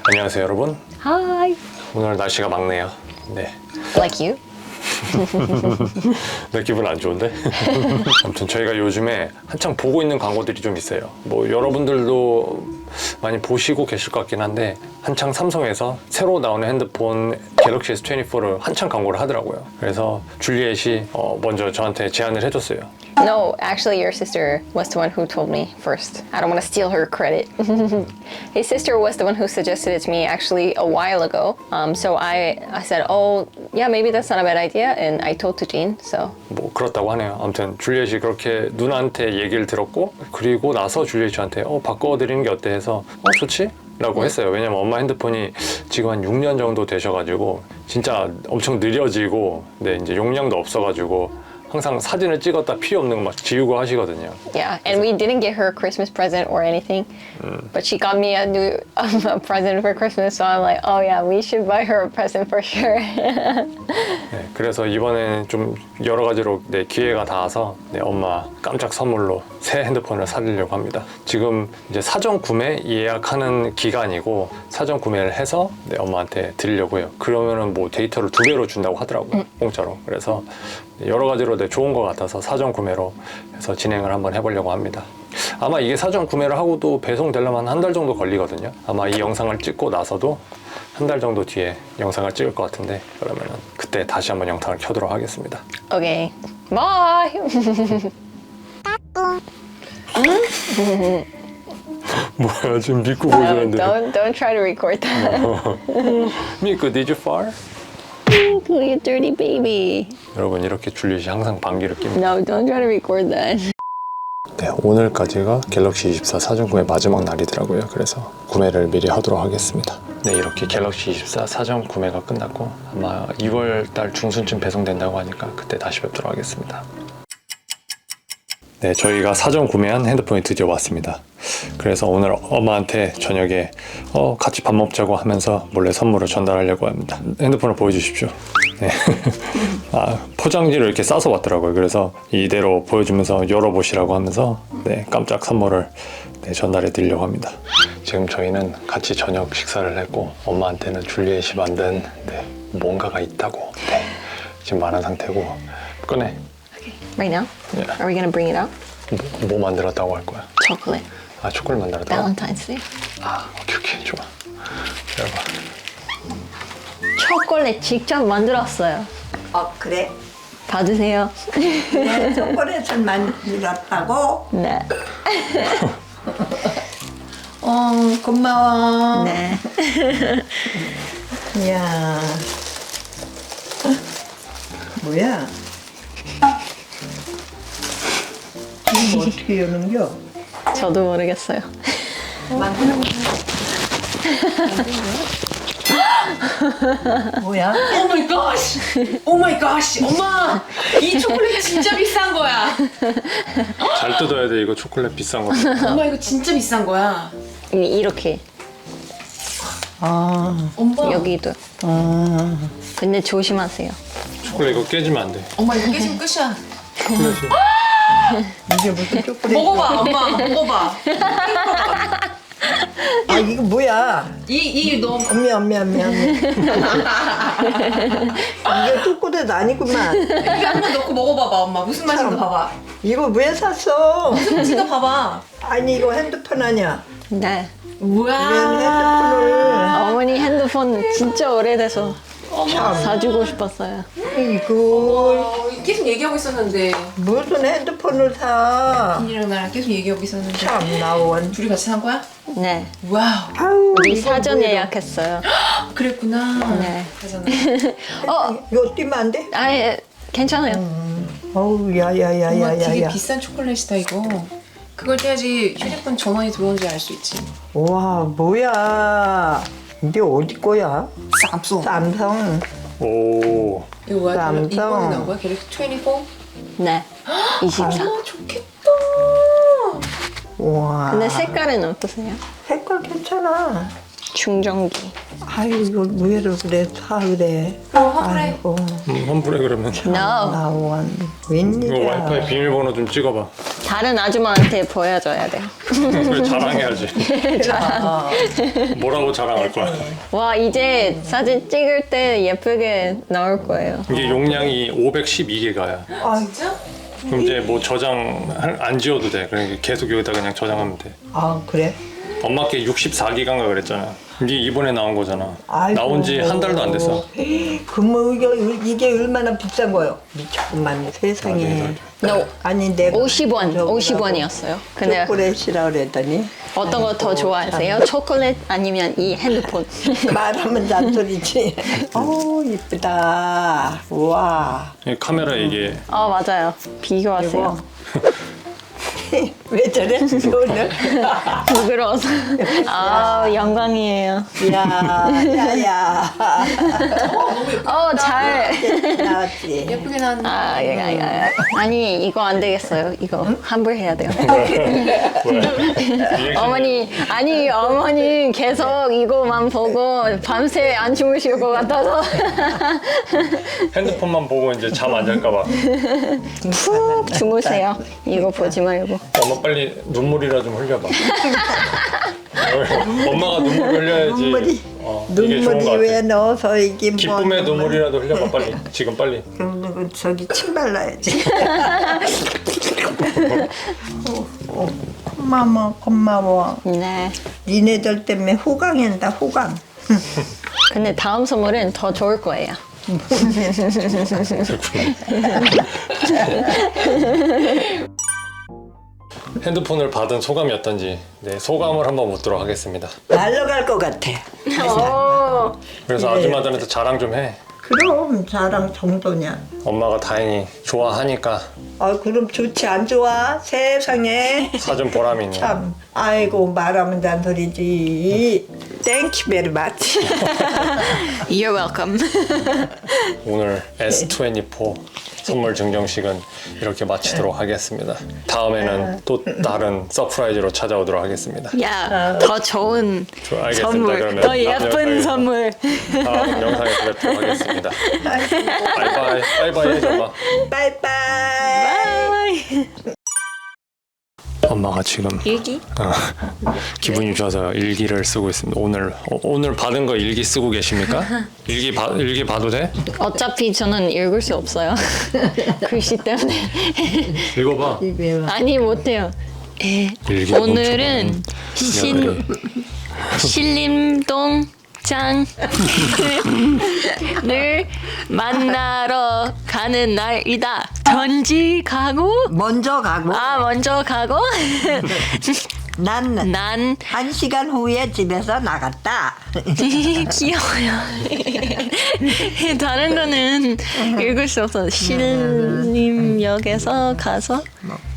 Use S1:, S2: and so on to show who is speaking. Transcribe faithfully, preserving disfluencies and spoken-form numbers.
S1: 안녕하세요 여러분.
S2: Hi.
S1: 오늘 날씨가 맑네요. 네.
S2: Like you?
S1: 내 기분 안 좋은데? 아무튼 저희가 요즘에 한창 보고 있는 광고들이 좀 있어요. 뭐 여러분들도 많이 보시고 계실 것 같긴 한데 한창 삼성에서 새로 나오는 핸드폰 갤럭시 에스 이십사를 한창 광고를 하더라고요. 그래서 줄리엣이 어 먼저 저한테 제안을 해줬어요.
S2: No, actually your sister was the one who told me first. I don't want to steal her credit. His sister was the one who suggested it to me actually a while ago. Um, so I, I said, oh, yeah, maybe that's not a bad idea. And I told to Jean, so.
S1: 뭐 그렇다고 하네요. 아무튼 줄리엣이 그렇게 누나한테 얘기를 들었고 그리고 나서 줄리엣이 저한테 어 바꿔드리는 게 어때 해서 어 좋지? 라고 했어요. 왜냐면 엄마 핸드폰이 지금 한 육 년 정도 되셔가지고 진짜 엄청 느려지고 네 이제 용량도 없어가지고 항상 사진을 찍었다 필요 없는 거 막 지우고 하시거든요.
S2: Yeah, and we didn't get her a Christmas present or anything, but she got me a new um, a present for Christmas. So I'm like, oh yeah, we should buy her a present for sure.
S1: 네, 그래서 이번에는 좀 여러 가지로 네, 기회가 닿아서 네, 엄마 깜짝 선물로 새 핸드폰을 사드리려고 합니다. 지금 이제 사전 구매 예약하는 기간이고 사전 구매를 해서 네, 엄마한테 드리려고 해요. 그러면은 뭐 데이터를 두 배로 준다고 하더라고요. 음. 공짜로. 그래서 여러 가지로 네, 좋은 것 같아서 사전 구매로 해서 진행을 한번 해보려고 합니다. 아마 이게 사전 구매를 하고도 배송되려면 한 달 정도 걸리거든요. 아마 이 영상을 찍고 나서도 한 달 정도 뒤에 영상을 찍을 것 같은데 그러면은 그때 다시 한번 영상을 켜도록 하겠습니다.
S2: Okay, bye.
S1: 뭐야 지금 믿고
S2: No,
S1: 보여주는데
S2: don't don't try to record that.
S1: 믿고 did you fart?
S2: Look at dirty baby.
S1: 여러분 이렇게 줄리엣이 항상 방귀를 낍니다.
S2: No, don't try to record that.
S1: 네, 오늘까지가 갤럭시 이십사 사전 구매 마지막 날이더라고요. 그래서 구매를 미리 하도록 하겠습니다. 네, 이렇게 갤럭시 이십사 사전 구매가 끝났고 아마 이월 달 중순쯤 배송된다고 하니까 그때 다시 뵙도록 하겠습니다. 네, 저희가 사전 구매한 핸드폰이 드디어 왔습니다. 그래서 오늘 엄마한테 저녁에 어, 같이 밥 먹자고 하면서 몰래 선물을 전달하려고 합니다. 핸드폰을 보여주십시오. 네. 아, 포장지를 이렇게 싸서 왔더라고요. 그래서 이대로 보여주면서 열어보시라고 하면서 네, 깜짝 선물을 네, 전달해 드리려고 합니다. 지금 저희는 같이 저녁 식사를 했고 엄마한테는 줄리엣이 만든 네, 뭔가가 있다고 네, 지금 말한 상태고 꺼내.
S2: Right now?
S1: Yeah.
S2: Are we gonna bring it out?
S1: 뭐, 뭐 만들었다고 할 거야?
S2: Chocolate.
S1: 아 초콜릿 만들었다고?
S2: Valentine's Day.
S1: 아 오케이 오케이 좋아. 기다려봐.
S2: 초콜릿 직접 만들었어요.
S3: 어 그래?
S2: 받으세요.
S3: 네, 초콜릿을 만들었다고?
S2: 네.
S3: 어 고마워.
S2: 네.
S3: 이야. 뭐야? 이거 어떻게 여는겨?
S2: 저도 모르겠어요.
S3: 만드는 거야. 뭐야?
S4: 오 마이 갓! 오 마이 갓! 엄마! 이 초콜릿 진짜 비싼 거야.
S1: 잘 뜯어야 돼 이거 초콜릿 비싼 거.
S4: 엄마 이거 진짜 비싼 거야.
S2: 이- 이렇게
S3: 아,
S4: 엄마.
S2: 여기도.
S3: 아.
S2: 근데 조심하세요.
S1: 초콜릿 이거 깨지면 안 돼.
S4: 엄마 이거 깨지면 끝이야.
S1: 초콜릿이.
S3: 이게 무슨 초콜릿?
S4: 먹어봐, 엄마. 먹어봐.
S3: 아 이거 뭐야?
S4: 이, 이 너.
S3: 엄미 엄미 엄미 엄미. 이게 초콜릿 아니구만.
S4: 이거 한번 넣고 먹어봐봐, 엄마. 무슨 맛인가 봐봐.
S3: 이거 왜 샀어?
S4: 무슨 맛인가 봐봐.
S3: 아니 이거 핸드폰 아니야?
S2: 네.
S3: 왜
S4: 뭐야.
S3: 핸드폰을?
S2: 어머니 핸드폰 진짜 오래돼서
S3: 참.
S2: 사주고 싶었어요.
S3: 이거
S4: 어, 계속 얘기하고 있었는데.
S3: 무슨 핸드폰을 사?
S4: 비니랑 나랑 계속 얘기하고 있었는데.
S3: 참 나원.
S4: 둘이 같이 산 거야?
S2: 네.
S4: 와우.
S3: 아우
S2: 우리
S3: 이거
S2: 사전
S3: 뭐야?
S2: 예약했어요.
S4: 그랬구나.
S2: 네.
S4: 그러잖아.
S2: 어,
S3: 이거 뛰면 안 돼?
S2: 아예 괜찮아요.
S3: 어우
S4: 엄마 되게
S3: 야야야야야야.
S4: 비싼 초콜릿이다 이거. 그걸 떼야지 휴대폰 전원이 들어오는지 알 수 있지.
S3: 와 뭐야? 이게 어디 거야?
S4: 쌈송.
S3: 삼성.
S1: 오.
S4: 이거 뭐야?
S3: 쌈송.
S4: 이번에 나온 거야? 갤럭시 이십사?
S2: 네. 이십사.
S4: 아 좋겠다.
S3: 와.
S2: 근데 색깔은 어떠세요?
S3: 색깔 괜찮아.
S2: 충전기.
S3: 아유 이거 왜 그래 사 그래.
S4: 어, 화불해.
S3: 아이고
S1: 음, 환불해 그러면.
S2: No.
S3: 나원.
S1: 이거
S3: 웬일이야?
S1: 와이파이 비밀번호 좀 찍어봐.
S2: 다 다른 아줌마한테 보여줘야 돼요.
S1: 왜 자랑해야지.
S3: 어.
S1: 뭐라고 자랑할 거야?
S2: 와 이제 사진 찍을 때 예쁘게 나올 거예요.
S1: 이게 용량이 오백십이 기가야.
S3: 아,
S4: 진짜?
S1: 그럼 이제 뭐 저장 안 지워도 돼. 그러니까 계속 여기다 그냥 저장하면 돼.
S3: 아 그래?
S1: 엄마께 육십사 기가인가 그랬잖아. 이게 이번에 나온 거잖아.
S3: 아이고.
S1: 나온 지 한 달도 안 됐어.
S3: 그뭐 이게, 이게 얼마나 비싼 거요? 미쳤구만 세상에.
S2: No.
S3: 아니 내가
S2: 오십 원,
S3: 저거라고
S2: 오십 원이었어요. 근데
S3: 초콜릿이라 그랬더니
S2: 어떤 거 더 좋아하세요? 초콜릿 아니면 이 핸드폰?
S3: 말하면 잔소리지. 어우 이쁘다. 우와.
S1: 이 카메라 이게
S2: 어 맞아요. 비교하세요.
S3: 왜 저래? 오늘?
S2: 부끄러워서. 아 영광이에요.
S3: 야야야.
S2: 어 잘.
S3: 나왔지.
S4: 예쁘게 나왔네.
S2: 아, 예, 예, 예. 아니 이거 안 되겠어요. 이거 환불해야 돼요.
S1: 리액션이
S2: 어머니 아니 어머니 계속 이거만 보고 밤새 안 주무실 것 같아서
S1: 핸드폰만 보고 이제 잠 안 잘까 봐.
S2: 푹 주무세요. 이거 보지 말고.
S1: 엄마 빨리 눈물이라 좀 흘려봐. 엄마가 눈물 흘려야지.
S3: 눈물이
S1: 어, 이게 좋은 거
S3: 눈물이
S1: 같아.
S3: 왜 넣어서 이게 뭐?
S1: 기쁨의 눈물이라도 흘려봐 빨리. 지금 빨리.
S3: 그럼 저기 침 발라야지. 어, 어. 고마워 고마워.
S2: 네.
S3: 니네들 때문에 호강한다 호강.
S2: 근데 다음 선물은 더 좋을 거예요.
S1: 핸드폰을 받은 소감이 어떤지 네, 소감을 한번 묻도록 하겠습니다.
S3: 날라갈 것 같아.
S2: 오.
S1: 그래서
S3: 그래.
S1: 아줌마들한테 자랑 좀 해.
S3: 그럼 자랑 정도냐.
S1: 엄마가 다행히 좋아하니까
S3: 아 그럼 좋지 안 좋아? 세상에.
S1: 사준 보람이 있네.
S3: 참. 아이고 말하면 잔소리지. Thank you very much.
S2: You're welcome.
S1: 오늘 에스 이십사 선물 증정식은 이렇게 마치도록 하겠습니다. 다음에는 또 다른 서프라이즈로 찾아오도록 하겠습니다.
S2: 야, 더 좋은
S1: 저- 알겠습니다.
S2: 선물,
S1: 그러면
S2: 더
S1: 다음
S2: 예쁜
S1: 영상에서-
S2: 선물.
S1: 다음 영상에서 뵙도록 하겠습니다. 바이바이. 바이바이 해줘 봐.
S3: 바이바이.
S1: 엄마가 지금
S2: 일기?
S1: 어, 기분이 좋아서 일기를 쓰고 있습니다. 오늘 어, 오늘 받은 거 일기 쓰고 계십니까? 일기 봐 일기 봐도 돼?
S2: 어차피 저는 읽을 수 없어요. 글씨 때문에.
S1: 읽어봐.
S2: 아니 못해요. 예,
S1: 일기
S2: 오늘은 신 신림동 장을 만나러 가는 날이다. 전지 가고
S3: 먼저 가고
S2: 아 먼저 가고
S3: 난 한
S2: 난
S3: 시간 후에 집에서 나갔다.
S2: 귀여워요. 다른 거는 읽을 수 없어. 신림역에서 가서